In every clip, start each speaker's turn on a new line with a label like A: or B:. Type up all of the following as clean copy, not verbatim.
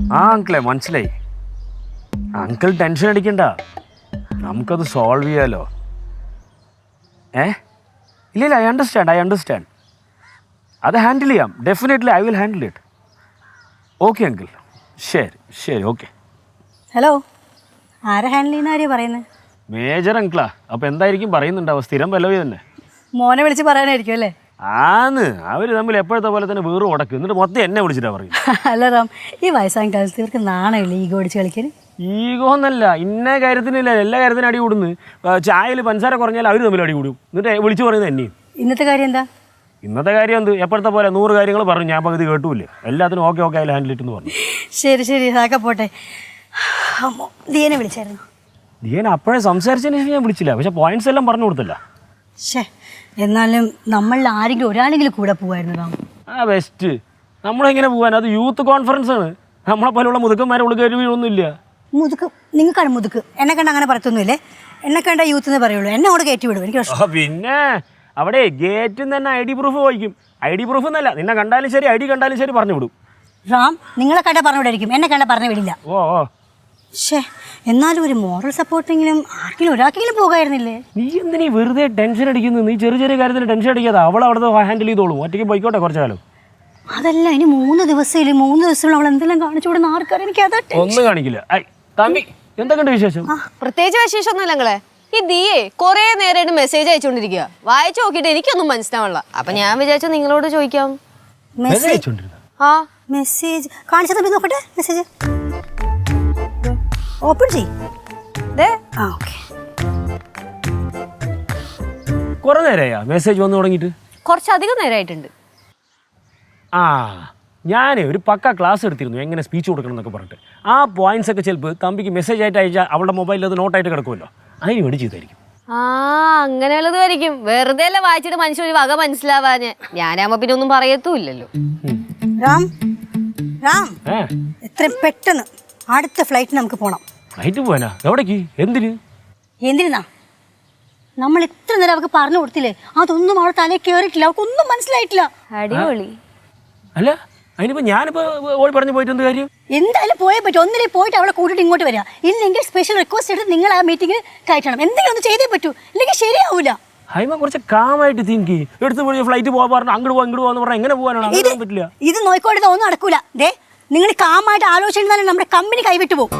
A: ആ അങ്കിളെ മനസ്സിലായി. അങ്കിൾ ടെൻഷൻ അടിക്കണ്ട, നമുക്കത് സോൾവ് ചെയ്യാലോ. ഇല്ല ഐ അണ്ടർസ്റ്റാൻഡ്. അത് ഹാൻഡിൽ ചെയ്യാം, definitely I will handle it. Okay uncle, ശരി ഓക്കെ.
B: ഹലോ, ആരെ ഹാൻഡിൽ ചെയ്യുന്ന ആരെയാണ് പറയുന്നത്?
A: മേജർ അങ്കിളാ. അപ്പോൾ എന്തായിരിക്കും പറയുന്നുണ്ടാവുക? സ്ഥിരം പല്ലവി തന്നെ.
B: മോനെ വിളിച്ച് പറയാനായിരിക്കും അല്ലേ?
A: അവർ തമ്മിൽ എപ്പോഴത്തെ പോലെ തന്നെ വേറെ ഉടക്കും, എന്നിട്ട് മൊത്തം എന്നെ വിളിച്ചിട്ടാ പറയും.
B: അല്ല റാം, ഈ വയസ്സാം കാലത്ത് ഇവർക്ക് നാണമില്ല ഈഗോ അടിച്ച് കളിക്കാൻ?
A: ഈഗോ എന്നല്ല, ഇന്ന കാര്യത്തിനില്ല, എല്ലാ കാര്യത്തിനും അടി കൂടുന്നു. ചായയിൽ പഞ്ചസാര കുറഞ്ഞാൽ അവർ തമ്മിൽ അടി കൂടും, എന്നിട്ട് വിളിച്ചു പറയുന്നത് എന്നെയും.
B: ഇന്നത്തെ കാര്യം എന്താ?
A: ഇന്നത്തെ കാര്യം എന്ത്, എപ്പോഴത്തെ പോലെ 100 കാര്യങ്ങൾ പറഞ്ഞു, ഞാൻ പകുതി കേട്ടൂല്ലേ. എല്ലാത്തിനും ഓക്കെ അതിൽ ഹാൻഡിൽ ഇട്ടെന്ന് പറഞ്ഞു.
B: ശരി അതൊക്കെ പോട്ടെ. ദിയനെ വിളിച്ചായിരുന്നു?
A: ദിയനെ അപ്പോഴേ സംസാരിച്ചതിന് ശേഷം ഞാൻ വിളിച്ചില്ല, പക്ഷെ പോയിന്റ്സ് എല്ലാം പറഞ്ഞു കൊടുത്തില്ല.
B: എന്നാലും നമ്മളിൽ ആരെങ്കിലും ഒരാളെങ്കിലും കൂടെ പോവായിരുന്നു റാം.
A: ബെസ്റ്റ്. നമ്മളെങ്ങനെ പോകാൻ, അത് യൂത്ത് കോൺഫറൻസ് ആണ്. നമ്മളെ പോലുള്ള മുതുക്കന്മാരെ ഉള്ള കയറിയൊന്നുമില്ല.
B: മുതുക്ക് നിങ്ങൾക്കാണ് മുതുക്ക്, എന്നെ കണ്ട അങ്ങനെ പറത്തൊന്നുമില്ലേ? എന്നെ കണ്ട യൂത്ത് എന്നേ പറയുള്ളൂ, എന്നെ അവിടെ കയറ്റി വിടും. എനിക്ക്
A: പിന്നെ അവിടെ ഗേറ്റിൽ തന്നെ ID പ്രൂഫ് ചോദിക്കും. ID പ്രൂഫ് എന്നല്ല, നിന്നെ കണ്ടാലും ശരി ID കണ്ടാലും ശരി പറഞ്ഞു വിടും.
B: റാം, നിങ്ങളെ കണ്ട പറഞ്ഞു വിടായിരിക്കും, എന്നെ കണ്ട പറഞ്ഞു വിടില്ല. എന്നാലും ഒരു മോറൽ സപ്പോർട്ടെങ്കിലും ആർക്കെങ്കിലും ഒരാൾക്കെങ്കിലും പോകായിരുന്നില്ലേ?
A: നീ എന്തിനീ വെറുതെ ടെൻഷൻ അടിക്കുന്നു? നീ ചെറിയ കാര്യത്തിന് ടെൻഷൻ അടിക്കാതെ അവൾ അവിടെ ഹാൻഡിൽ ചെയ്തോളൂ. ഒറ്റയ്ക്ക് പോയിക്കോട്ടെ കുറച്ചു കാലം.
B: അതല്ല, ഇനി 3 ദിവസം അവൾ എന്തെല്ലാം കാണിച്ചു കൊടുക്കുന്ന ആർക്കറിയാം. എനിക്ക് അതാ
A: ഒന്നും കാണിക്കില്ല. തമ്പി, എന്തൊക്കെയുണ്ട് വിശേഷം?
C: പ്രത്യേകിച്ച് വിശേഷമൊന്നുമില്ല നിങ്ങളെ. ഈ ദിയേ കൊറേ നേരമായിട്ട് മെസ്സേജ് അയച്ചുകൊണ്ടിരിക്കുക. വായിച്ചു നോക്കിയിട്ട് എനിക്കൊന്നും മനസ്സിലാവണില്ല. അപ്പൊ ഞാൻ വിചാരിച്ചു നിങ്ങളോട് ചോദിക്കാം.
B: മെസ്സേജ് കാണിച്ചത് നോക്കട്ടെ. മെസ്സേജ് ഓപ്പൺ ചെയ്.
A: കുറെ നേരമായാ മെസ്സേജ് വന്നു തുടങ്ങിയിട്ട്?
C: കുറച്ചധികം നേരമായിട്ടുണ്ട്.
A: ഞാൻ ഒരു പക്ക ക്ലാസ് എടുത്തിരുന്നു, എങ്ങനെ സ്പീച്ച് കൊടുക്കണം എന്നൊക്കെ പറഞ്ഞിട്ട്. ആ പോയിന്റ്സ് ഒക്കെ ചിലപ്പോൾ തമ്പിക്ക് മെസ്സേജ് ആയിട്ട് അയച്ചാൽ അവളുടെ മൊബൈലിൽ അത് നോട്ടായിട്ട് കിടക്കുമല്ലോ, അതിന് വേണ്ടി ചെയ്തായിരിക്കും.
C: അങ്ങനെയുള്ളതായിരിക്കും. വെറുതെ അല്ല വായിച്ചിട്ട് മനുഷ്യൻ ഒരു വക മനസ്സിലാവാന്. ഞാനാകുമ്പോ പിന്നെ ഒന്നും പറയത്തുമില്ലല്ലോ.
B: എത്രയും പെട്ടെന്ന് അടുത്ത ഫ്ലൈറ്റ് നമുക്ക് പോണം.
A: ഫ്ലൈറ്റ് പോവാനാ? എവിടേക്ക്?
B: എന്തിനാ? നമ്മൾ എത്ര നേരം അവർക്ക് പറഞ്ഞു കൊടുത്തില്ലേ, അതൊന്നും അവളെ തലയിൽ കയറിയിട്ടില്ല, അവൾക്കൊന്നും മനസ്സിലായിട്ടില്ല.
C: അടിപൊളി.
A: അല്ല അതിനിപ്പോ ഞാനിപ്പോ ഓടി പറഞ്ഞു പോയിട്ട് എന്ത് കാര്യം?
B: എന്തായാലും പോയേ പറ്റും. ഒന്നിലേക്ക് പോയിട്ട് അവളെ കൂട്ടിയിട്ട് ഇങ്ങോട്ട് വരിക, ഇല്ലെങ്കിൽ സ്പെഷ്യൽ റിക്വസ്റ്റ് എടുത്ത് നിങ്ങൾ ആ മീറ്റിംഗിൽ കയറ്റണം. എന്തെങ്കിലും ഒന്ന് ചെയ്തേ പറ്റൂ, ഇല്ലെങ്കിൽ ശരിയാവൂല.
A: ഹൈമ കുറച്ച് കാമായിട്ട് തിങ്ക് എടുത്ത് പോയി ഫ്ലൈറ്റ് പോകാൻ പറഞ്ഞു, അങ്ങോട്ട് പോകാന്ന് പറഞ്ഞാൽ എങ്ങനെ പോകാനാണ്? അങ്ങനെ പറ്റില്ല.
B: ഇത് നോക്കിക്കൊടുത്താൽ ഒന്നും നടക്കൂല. നിങ്ങൾ കാമായിട്ട് ആലോചിച്ചാൽ നമ്മുടെ കമ്പനി കൈവിട്ടു പോകും.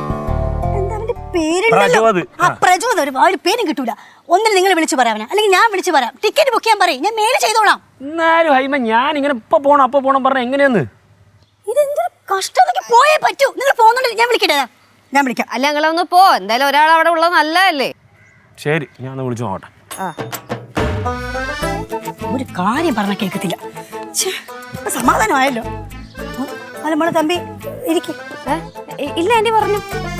B: പ്രചോദം ഒരു പേരും കിട്ടൂല. ഒന്നിൽ നിങ്ങൾ വിളിച്ചു പറയാനാ, അല്ലെങ്കിൽ ഞാൻ വിളിച്ചു പറയാം. ടിക്കറ്റ് ബുക്ക് ചെയ്യാൻ പറയും, ഞാൻ മേലെ ചെയ്തോളാം.
A: എന്നാലും ഹൈമ ഞാൻ ഇങ്ങനെ ഇപ്പൊ പോണം പറഞ്ഞ എങ്ങനെയാന്ന്?
B: ഇതെന്തൊരു കഷ്ടം. പോയേ പറ്റൂ. നിങ്ങൾ പോകുന്നുണ്ട്, ഞാൻ വിളിക്കട്ടെ? ഞാൻ വിളിക്കാം.
C: അല്ല നിങ്ങളൊന്ന് പോ, എന്തായാലും ഒരാൾ അവിടെ ഉള്ളത് നല്ലതല്ലേ.
A: ശരി, ഞാൻ വിളിച്ചു നോക്കട്ടെ.
B: ഒരു കാര്യം പറഞ്ഞാൽ കേൾക്കത്തില്ല. സമാധാനമായല്ലോ. അല്ല മോളെ തമ്പി ഇരിക്ക.
C: ഇല്ല ആന്റി പറഞ്ഞു.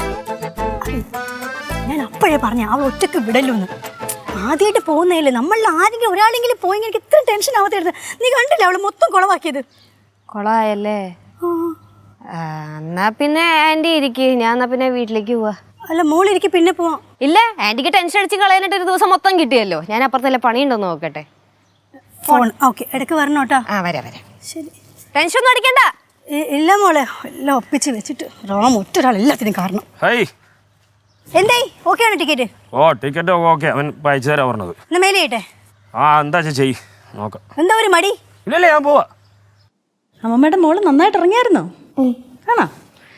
B: ഞാൻ അപ്പോഴേ പറഞ്ഞ അവൾ ഒറ്റക്ക് വിടല്ലോന്ന്. ആദ്യമായിട്ട് പോകുന്നതല്ലേ, നമ്മളിൽ ആരെങ്കിലും ഒരാളെങ്കിലും പോയെങ്കിൽ എനിക്ക് ഇത്രയും ടെൻഷൻ ആവാത്തായിരുന്നു. നീ കണ്ടില്ല അവള് മൊത്തം കുളവാക്കിയത്?
C: കൊളായല്ലേ? എന്നാ പിന്നെ ആന്റി ഇരിക്ക്, ഞാൻ എന്നാ പിന്നെ വീട്ടിലേക്ക് പോവാ.
B: അല്ല മോളിരിക്കും, പിന്നെ പോവാം.
C: ഇല്ല, ആന്റിക്ക് ടെൻഷൻ അടിച്ച് കളയാനായിട്ട് ഒരു ദിവസം മൊത്തം കിട്ടിയല്ലോ. ഞാൻ അപ്പുറത്തല്ലേ പണിയുണ്ടോന്ന് നോക്കട്ടെ.
B: ഫോൺ ഓക്കെ, ഇടയ്ക്ക് വരണോട്ടാ.
C: വരാം.
B: ശരി,
C: ടെൻഷൻ ഒന്നും അടിക്കണ്ട.
B: ഇല്ല മോളെ, എല്ലാം ഒപ്പിച്ച് വെച്ചിട്ട് റാം ഒറ്റൊരാൾ എല്ലാത്തിനും കാരണം. എന്തായി? ഓക്കെ ആണ് ടിക്കറ്റ്?
A: ടിക്കറ്റ് ഓക്കെ, അവൻ അയച്ചു തരാൻ പറഞ്ഞത്.
B: എന്നാ മേലെ ചെയ്യട്ടെ?
A: എന്താ ചെയ്യ് നോക്കാം.
B: എന്താ ഒരു മടി?
A: ഇല്ലല്ലേ, ഞാൻ പോവാ.
D: അമ്മമ്മയുടെ മോള് നന്നായിട്ട് ഇറങ്ങിയായിരുന്നോ? ആണോ?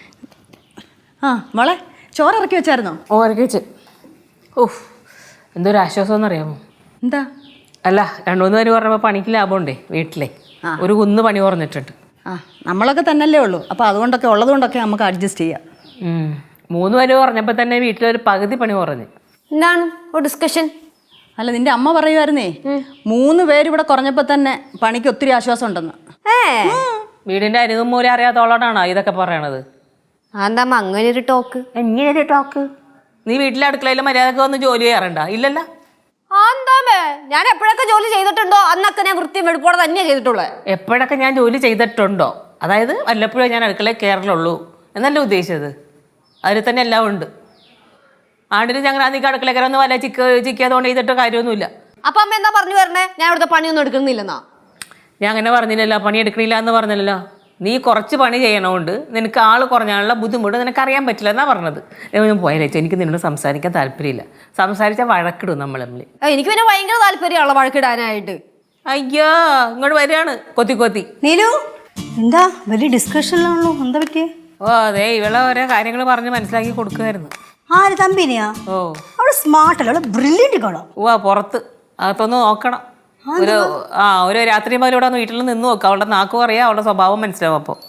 D: മോളെ ചോറ് ഇറക്കി വെച്ചായിരുന്നോ?
E: ഇറക്കി വെച്ച്. എന്തൊരു ആശ്വാസം എന്നറിയാമോ?
D: എന്താ?
E: അല്ല, 2-3 പേര് പറഞ്ഞപ്പോൾ പണിക്ക് ലാഭമുണ്ടേ. വീട്ടിലെ ഒരു കുന്ന് പണി കുറഞ്ഞിട്ടുണ്ട്.
D: നമ്മളൊക്കെ തന്നെയല്ലേ ഉള്ളൂ, അപ്പോൾ അതുകൊണ്ടൊക്കെ ഉള്ളതുകൊണ്ടൊക്കെ നമുക്ക് അഡ്ജസ്റ്റ് ചെയ്യാം.
E: 3 പേര് പറഞ്ഞപ്പോൾ തന്നെ വീട്ടിലൊരു പകുതി പണി കുറഞ്ഞ്.
C: എന്താണ് ഡിസ്കഷൻ?
D: അല്ല, നിന്റെ അമ്മ പറയുമായിരുന്നേ 3 പേര് ഇവിടെ കുറഞ്ഞപ്പോൾ തന്നെ പണിക്ക് ഒത്തിരി ആശ്വാസം ഉണ്ടെന്ന്.
E: വീടിന്റെ അരികും മൂലം അറിയാത്തോളാണോ ഇതൊക്കെ പറയണത്?
C: എന്താ അങ്ങനൊരു ടോക്ക്?
E: എങ്ങനെയൊരു ടോക്ക്? നീ വീട്ടിലെ അടുക്കളയിൽ മര്യാദക്ക് വന്ന് ജോലി ചെയ്യാറുണ്ടോ? ഇല്ലല്ലോ.
C: ഞാൻ എപ്പോഴൊക്കെ ജോലി ചെയ്തിട്ടുണ്ടോ അന്നൊക്കെ ഞാൻ വൃത്തിയും വെടുപ്പോടെ തന്നെയാണ് ചെയ്തിട്ടുള്ളത്.
E: എപ്പോഴൊക്കെ ഞാൻ ജോലി ചെയ്തിട്ടുണ്ടോ? അതായത് വല്ലപ്പോഴും ഞാൻ അടുക്കളയിൽ കയറലുള്ളൂ എന്നല്ലേ ഉദ്ദേശിച്ചത്? അതിൽ തന്നെ എല്ലാം ഉണ്ട്. ആണ്ടിന് ഞങ്ങൾ അധികം അടുക്കളയിൽ കയറുന്ന വല്ല ചിക്കാതുകൊണ്ട് ചെയ്തിട്ടോ കാര്യമൊന്നുമില്ല.
C: അപ്പൊ അമ്മ എന്താ പറഞ്ഞു വരണേ? ഞാൻ ഇവിടുത്തെ പണിയൊന്നും എടുക്കുന്നില്ലെന്നാ?
E: ഞാൻ അങ്ങനെ പറഞ്ഞില്ലല്ലോ, പണി എടുക്കണില്ല എന്ന് പറഞ്ഞില്ലല്ലോ. നീ കുറച്ച് പണി ചെയ്യണോണ്ട് നിനക്ക് ആൾ കുറഞ്ഞാലുള്ള ബുദ്ധിമുട്ട് നിനക്ക് അറിയാൻ പറ്റില്ല എന്നാ പറഞ്ഞത്. ഞാൻ പോയാലേച്ചാ എനിക്ക് നിന്നോട് സംസാരിക്കാൻ താല്പര്യമില്ല. സംസാരിച്ചാൽ വഴക്കിടും നമ്മൾ തമ്മിൽ.
C: എനിക്ക് പിന്നെ ഭയങ്കര താല്പര്യമുള്ള വഴക്കിടാനായിട്ട്.
E: അയ്യോ ഇങ്ങോട്ട് വരികയാണ് കൊത്തി കൊത്തി.
B: നീലു എന്താ വലിയ ഡിസ്കഷനിലാണല്ലോ, എന്താ പറ്റിയേ?
E: ഓ അതെ, ഇവളെ ഓരോ കാര്യങ്ങൾ പറഞ്ഞ് മനസ്സിലാക്കി കൊടുക്കുമായിരുന്നു.
B: ആര് തമ്പിനെയാ?
E: ഓ
B: അവള് സ്മാർട്ടല്ല, അവള് ബ്രില്യന്റ് കാണാം.
E: ഓ പുറത്ത് അകത്തൊന്ന് നോക്കണം. ഒരു രാത്രി മുതൽ ഇവിടെ വീട്ടിൽ നിന്ന് നോക്കാം. അവളുടെ നാക്കും അറിയാം, അവളുടെ സ്വഭാവം മനസ്സിലാവും. അപ്പൊ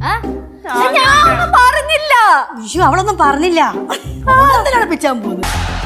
C: പറഞ്ഞില്ല.
B: അയ്യോ അവളൊന്നും പറഞ്ഞില്ല. പിച്ചാൻ പോകുന്നു.